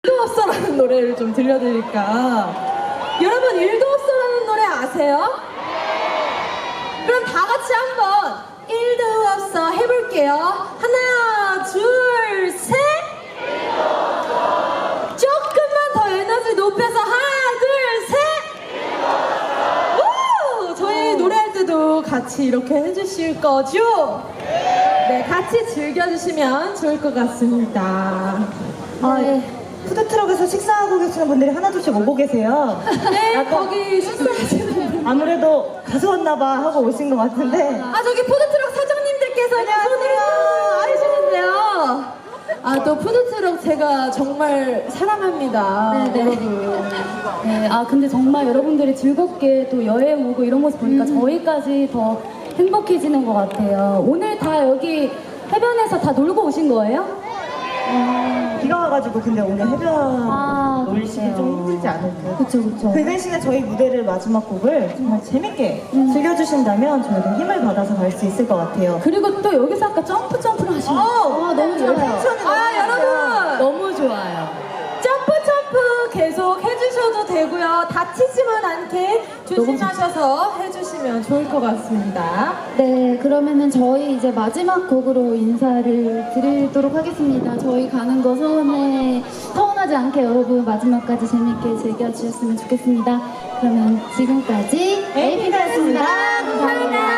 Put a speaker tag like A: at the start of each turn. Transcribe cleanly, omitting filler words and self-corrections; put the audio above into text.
A: 일도 없어라는 노래를 좀 들려드릴까. 여러분, 일도 없어라는 노래 아세요? 그럼 다 같이 한번 일도 없어 해볼게요. 하나, 둘, 셋. 조금만 더 에너지 높여서 하나, 둘, 셋. 오! 저희 노래할 때도 같이 이렇게 해주실 거죠? 네, 같이 즐겨주시면 좋을 것 같습니다. 네.
B: 푸드트럭에서 식사하고 계시는 분들이 하나둘씩 오고 계세요.
A: 네, 거기 식사하시는 분.
B: 아무래도 가수 왔나봐 하고 오신 것 같은데.
A: 저기 푸드트럭 사장님들께서 손을 해주시는데요. 또 푸드트럭 제가 정말 사랑합니다.
C: 네네.
A: 여러분.
C: 네, 근데 정말 여러분들이 즐겁게 또 여행 오고 이런 모습 보니까 저희까지 더 행복해지는 것 같아요. 오늘 다 여기 해변에서 다 놀고 오신 거예요?
B: 비가 와가지고 근데 오늘 해변 놀시기
C: 그래요.
B: 좀 힘들지 않을까요?
C: 그쵸.
B: 그 대신에 저희 무대를 마지막 곡을 정말 재밌게 즐겨주신다면 저희도 힘을 받아서 갈 수 있을 것 같아요.
C: 그리고 또 여기서 아까 점프를 하시는 너무 좋아요.
A: 여러분.
C: 너무 좋아요.
A: 점프 계속 해주셔도 되고요. 다치지만 않게 조심하셔서 해주시면 좋을 것 같습니다.
C: 네, 그러면은 저희 이제 마지막 곡으로 인사를 드리도록 하겠습니다. 저희 가는 거 서운하지 않게 여러분 마지막까지 재밌게 즐겨주셨으면 좋겠습니다. 그러면 지금까지 에이핑크였습니다. 감사합니다.